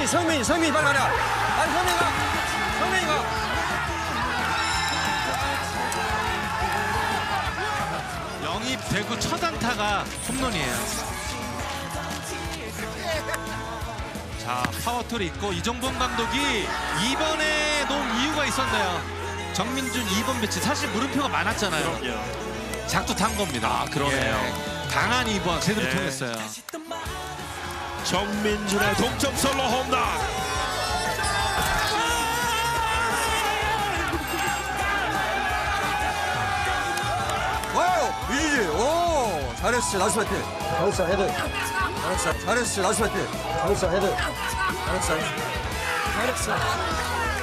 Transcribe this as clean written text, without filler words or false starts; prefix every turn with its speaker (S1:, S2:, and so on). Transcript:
S1: 성민이 빨리 가라. 빨리 성민이 가.
S2: 영입 대구 첫 안타가 홈런이에요. 자, 파워톨이 있고 이정범 감독이 2번에 놓은 이유가 있었네요. 정민준 2번 배치. 사실 물음표가 많았잖아요. 작두 탄 겁니다.
S3: 그러네요.
S2: 강한 2번 제대로 통했어요.
S3: 정민준의 동점 솔로 홈런.
S1: 와우, 유지지. 오, 잘했어. 나이스 파이팅. 잘했어, 헤드. 잘했어, 나이스 파이팅. 잘했어, 헤드. 잘했어.